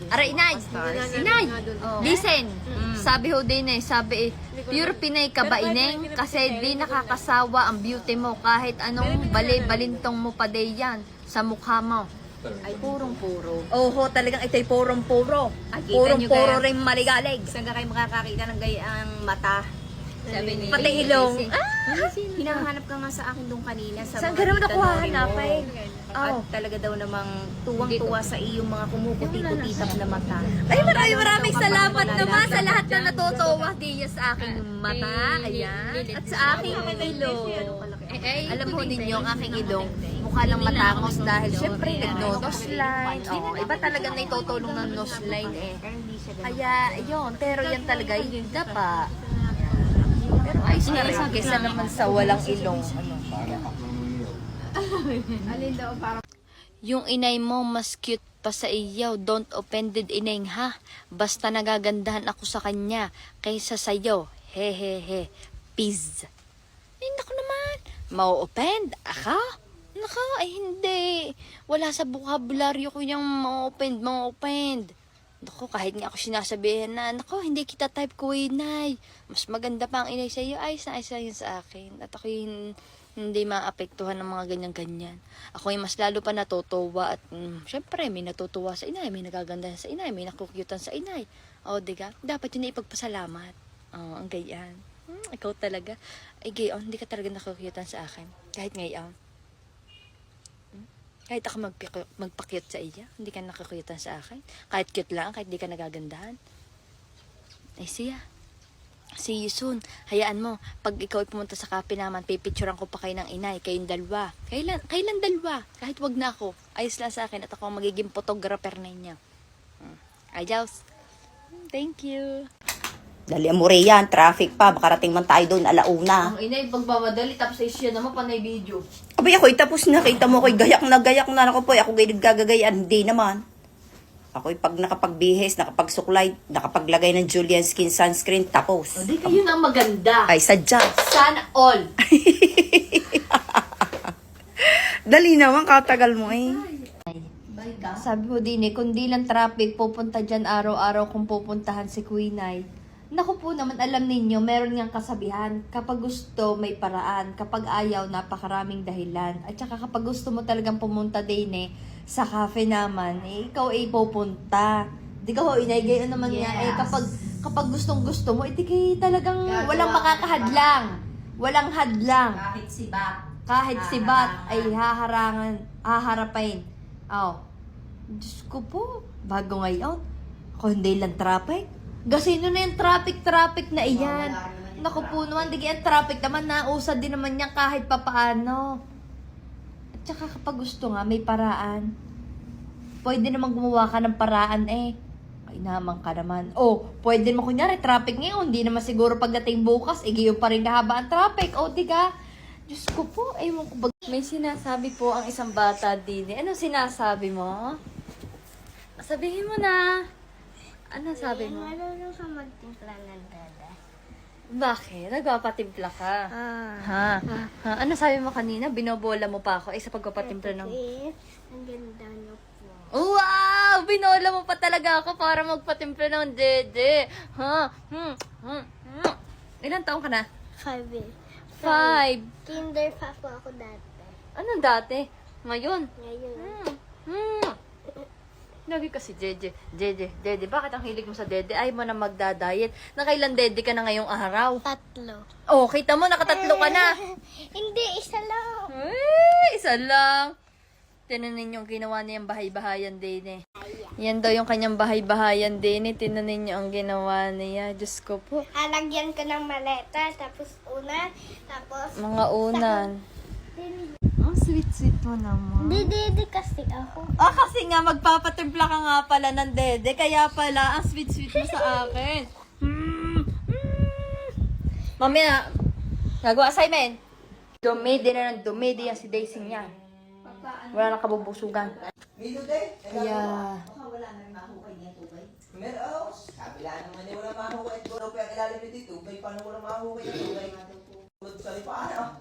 Aray, inay. Inay. Listen. Sabi ho din sabi pure Pinay ka ba ineng? Kasi di nakakasawa ang beauty mo kahit anong balintong mo pa day yan sa mukha mo. Ay, purong-puro. Oho, talagang ito'y purong-puro. Ay, kita nyo Purong-puro kaya- rin maligalig. Saan ka kayo makakakita ng gayang mata? Sabi ni Pati ilong. Hinahanap ka nga sa akin doon kanina sa Saan mga ka naman ako itanori mo. hahanapin? At Oh. talaga daw namang tuwang-tuwa sa iyong mga kumukuti-kutitap na mata. Ay, maraming salamat naman sa lahat na natutuwa diya sa aking mata. Ayan. At sa aking ilong. Alam ho ninyo, ang aking ilong, mukha lang matangos dahil syempre nag-nose line. Oh, iba talaga na itutulong ng nose line eh. Kaya, yun. Pero yan talaga, yung pa. Pero ayos na rin. Kesa naman sa walang ilong. Yung inay mo mas cute pa sa iyo. Don't offended ineng ha. Basta nagagandahan ako sa kanya kaysa sa'yo. Hehehe. Peace. Ay, naku naman. Mau-offend? Aka? Naka, ay hindi. Wala sa vocabulary ko yung mau-offend. Naku, kahit nga ako sinasabihan na, naku, hindi kita type ko, inay. Mas maganda pa ang inay sa iyo. Ayos na ayos na yun sa akin. At ako hindi maapektuhan ng mga ganyan-ganyan. Ako yung mas lalo pa natutuwa at syempre may natutuwa sa inay, may nagaganda sa inay, may nakukyutan sa inay. O, diga? Dapat yun na ipagpasalamat. O, ang gayan. Ikaw talaga. Ay, gayon, hindi ka talaga nakukyutan sa akin. Kahit ngayon. Kahit ako magpa-cute sa iya, hindi ka nakakutan sa akin. Kahit cute lang, kahit di ka nagagandahan. Ay siya. See you soon. Hayaan mo, pag ikaw ay pumunta sa cafe naman, pipicturean ko pa kayo ng inay, kayong dalawa. Kailan dalawa? Kahit wag na ako. Ayos lang sa akin at ako ang magiging photographer ninyo. Adios. Thank you. Dali mo rin yan, traffic pa, makarating man tayo doon, alauna. Ang inay, pagmamadali, tapos ay siya naman panay video. Abay, ako'y tapos na, kita mo ako'y gayak na, ako po, ako gagagayan, hindi naman. Ako'y pag nakapagbihis, nakapagsuklay, nakapaglagay ng Julian Skin Sunscreen, tapos. O, di kayo na maganda. Ay, sadya. Sana all. Dali naman, katagal mo eh. Sabi mo din kung di lang traffic, pupunta dyan araw-araw kung pupuntahan si Queen Ay. Naku po naman, alam ninyo, meron ngang kasabihan, kapag gusto, may paraan. Kapag ayaw, napakaraming dahilan. At saka kapag gusto mo talagang pumunta din sa cafe naman, ikaw ay pupunta. Di ka ho, inay, gayon naman nga, kapag gustong gusto mo, kay talagang walang makakahadlang. Walang hadlang. Kahit si Bat. Kahit si Bat ay haharapin. Oh. Diyos ko po, bago ngayon, ako hindi lang traffic. Gasino na yung traffic na iyan. Naku po naman, di yan traffic naman, nausad din naman yan kahit papaano. At saka kapag gusto nga, may paraan. Pwede naman gumawa ka ng paraan Ay naman ka naman. Oh, pwede naman kunyari, traffic ngayon, hindi naman siguro pagdating bukas, igayon pa rin kahaba ang traffic. Oh, diga? Diyos ko po, ewan ko ba. May sinasabi po ang isang bata din. Ano sinasabi mo? Sabihin mo na. Ano sabi mo? Marunong ka magtimpla ng dada. Bakit? Nagpapatimpla ka? Ha? Ano sabi mo kanina? Binobola mo pa ako sa pagpapatimpla ng... Ang ganda niyo po. Wow! Binola mo pa talaga ako para magpatimpla ng dede. Ha? Ilan taong ka na? 5 eh. 5. Kinder pa po ako dati. Anong dati? Ngayon? Ngayon. Lagi kasi Dede, bakit ang hilig mo sa dede? Ay mo na magda-diet. Nakailan dede ka na ngayong araw? 3. Oh, kita mo, nakatatlo ka na. Hindi, isa lang. Isa lang. Tinanin yung ginawa niyang bahay-bahayan din Yan daw yung kanyang bahay-bahayan din Tinanin niyo ang ginawa niya. Diyos ko po. Alagyan ko ng maleta, tapos unan, tapos... Mga unan. Ang sweet-sweet mo naman. Dede kasi ako. Kasi nga, magpapatimpla ka nga pala ng dede. Kaya pala, ang sweet-sweet mo sa akin. Mamaya, gagawa assignment. Dumidi na ng dumidi yan si Daisy niya. Wala nang kabubusugan. Kaya... Wala na mahukay niya tubay. Meron, kabila naman niya wala mahukay. Pero kaya ilalim niya dito, paano wala mahukay ng tubay? Tulad sa lipahan.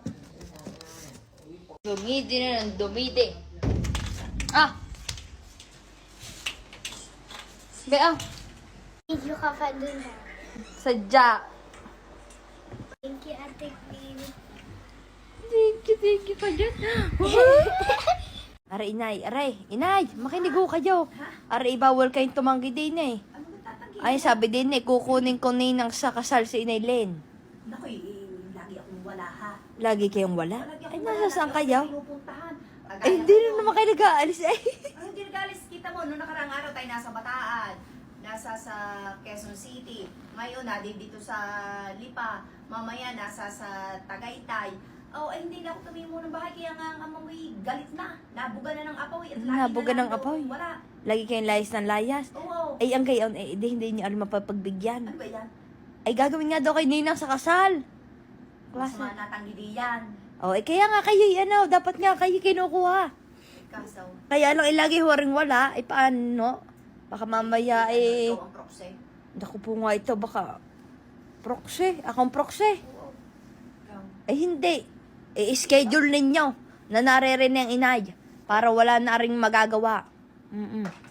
Dumidi na ng dumidi. Bea, Video ka pa dun ha. sadya. Thank you, Ate Queen. Thank you pa dyan. Aray, inay, makinig ho kayo. Aray, bawal kayong tumanggi din eh. Ay, sabi din eh, kukunin ko ninang sa kasal si Inay Len. Naku, lagi akong wala ha. Lagi kayong wala? Ay, nasa saan kayo? Pinupuntahan. Ay, hindi na naman kayo nag-aalis eh. Ay, hindi nagalis. Kita mo, noong nakarang araw tayo nasa Bataan. Nasa sa Quezon City. Ngayon, dito sa Lipa. Mamaya, nasa sa Tagaytay. Oh, ay hindi na ako tumimo ng bahay. Kaya nga ang amoy galit na. Nabuga na ng apoy. At lagi Nabuga na lang ng daw apoy? Wala. Lagi kayong layas ng layas. Oo. Ay, ang gayon, eh, hindi niyo alam mapapagbigyan. Ano ba yan? Ay, gagawin nga daw kay Ninang sa kasal. Mas Klase. mga natanggi yan. Oh, eh, kaya nga kayo, dapat nga kayo kinukuha. Kasaw. Kaya lang, ilagi ho rin wala. Ay, paano? Baka mamaya, eh, Ikaw ang proxy. naku po nga ito, baka proxy. Akong proxy. Ikaw. Ay, hindi. I-schedule ninyo na naririnig ang inay para wala na ring magagawa.